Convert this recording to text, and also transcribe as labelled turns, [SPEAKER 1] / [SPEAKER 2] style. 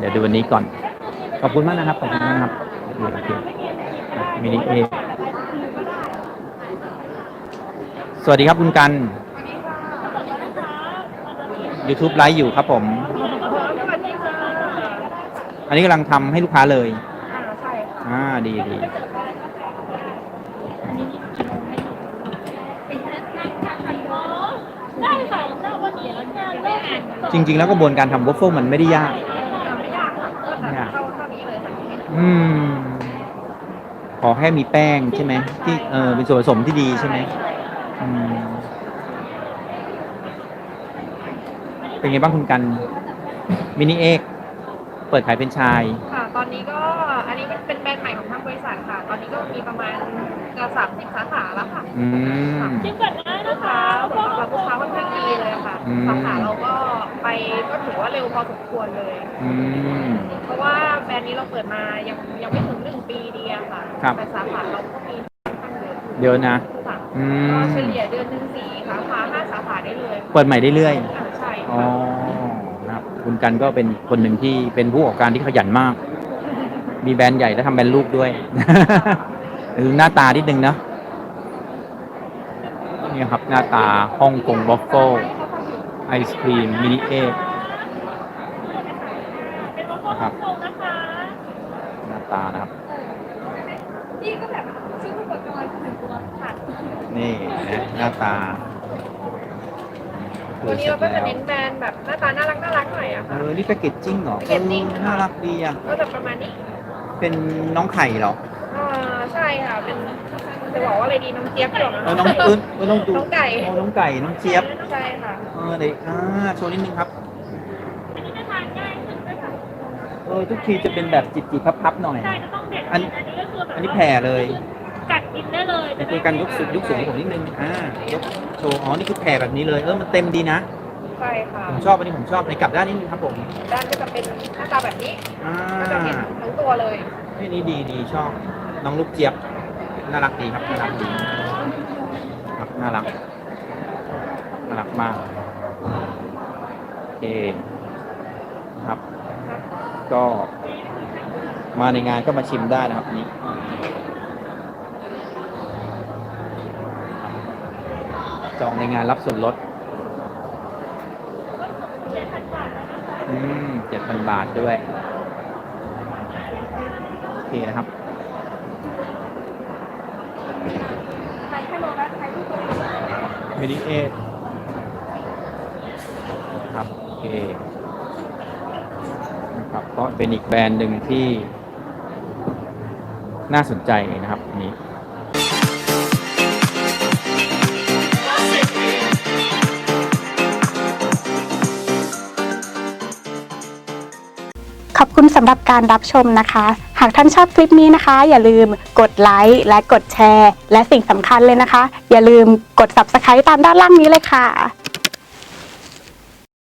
[SPEAKER 1] ดี๋ยวดูวันนี้ก่อนขอบคุณมากนะครับขอบคุณมากนะครับโอเคมินิเอสวัสดีครับคุณกัน YouTube ไลฟ์อยู่ครับผมอันนี้กำลังทำให้ลูกค้าเลย
[SPEAKER 2] ใช่ค่ะ
[SPEAKER 1] ดีจริงๆแล้วกระบวนการทำวอฟเฟิลมันไม่ได้ยาก
[SPEAKER 2] ไม่ยากเข้านี้เลย
[SPEAKER 1] ขอแค่มีแป้งใช่ไหมที่เป็นส่วนผสมที่ดีใช่ไหมเป็นไงบ้างคุณกันมินิเอ็กเปิดขายเป็นไชน์
[SPEAKER 2] ค่ะตอนนี้ก็อันนี้เป็นแบรนด์ใหม่ของทางบริษัทค่ะตอนนี้ก็มีประมาณ30 สาขาแล้วค่ะ
[SPEAKER 3] ชิมก่อนได้นะคะ
[SPEAKER 2] ลูกค้าค่อนข้างดีเลยค่ะสาขาเราก็ไปก็ถือว่าเร็วพอสมควรเลยเพราะว่าแบรนด์นี้เราเปิดมายังไม่ถึง1 ปีดีอะค่ะแต่สาขาเราก็มี
[SPEAKER 1] เยอะนะ
[SPEAKER 2] เฉลี่ยเดือนหนึ่ง4 สาขา5 สาขาได้เลย
[SPEAKER 1] เปิดใหม่ได้เรื่อย
[SPEAKER 2] ใช่
[SPEAKER 1] นะครับคุณกันก็เป็นคนหนึ่งที่เป็นผู้ประกอบการที่ขยันมากมีแบรนด์ใหญ่และทำแบรนด์ลูกด้วยดูหน้าตานิดนึงนะนี่ครับหน้าตาฮ่องกงวอฟเฟิลไอศครีมมินิเอ็กนะครับหน้าตานะครับ
[SPEAKER 2] นี่ก็แบบซื้ออุปกรณ์ถึงตัวค่ะ
[SPEAKER 1] นี่นะหน้าตา
[SPEAKER 2] วันนี้เราก็จะเน้นแบรนด์แบบหน้าตาน่ารักหน่อยอะค่ะ
[SPEAKER 1] นี่แพคเกจจิ้งเหรอน่ารักดีอ่ะ
[SPEAKER 2] ก็จะประมาณนี้
[SPEAKER 1] เป็นน้องไข่เหรอ
[SPEAKER 2] ใช่ค่ะเป็นจะบอกว่าอะไรดีน้องเจี๊ยบก่อน
[SPEAKER 1] น้องปื้นน้องดู
[SPEAKER 2] น้องไก่
[SPEAKER 1] น้องไก่น้องเจี๊ยบ
[SPEAKER 2] ใช่ค่ะ
[SPEAKER 1] เด็กโชว์นิดนึงครับ
[SPEAKER 3] อันนี้จะทานง่ายขึ้นด้วยค่ะ
[SPEAKER 1] ทุกทีจะเป็นแบบจิบๆพับๆหน่อย
[SPEAKER 3] ใช่จะต้องเด็ดอันนี้ก็คือแบบ
[SPEAKER 1] อันนี้แผ่เลย
[SPEAKER 3] กัดกินได้เลย
[SPEAKER 1] จะคุยกันยกสูงผมนิดนึงยกโชว์นี่คือแผ่แบบนี้เลยมันเต็มดีนะ
[SPEAKER 2] ใช่ค่ะ
[SPEAKER 1] ผมชอบอันนี้ผมชอบในกลับด้านนิดนึงครับผม
[SPEAKER 2] ด้านก็จะเป็นหน้าตาแบบนี้ก็จะเห็นทั้งตัวเลย
[SPEAKER 1] นี่ดีชอบน้องลูกเจี๊ยบน่ารักดีครับน่ารักดีครับน่ารักมากโอเคครับก็มาในงานก็มาชิมได้นะครับนี่จองในงานรับส่วนลด7,000 บาทด้วยโอเคนะครับมินิเอทครับโอเคนะครับก็เป็นอีกแบรนด์หนึ่งที่น่าสนใจนะครับนี้
[SPEAKER 4] ขอบคุณสำหรับการรับชมนะคะ หากท่านชอบคลิปนี้นะคะอย่าลืมกดไลค์และกดแชร์และสิ่งสำคัญเลยนะคะอย่าลืมกด Subscribe ตามด้านล่างนี้เลยค่ะ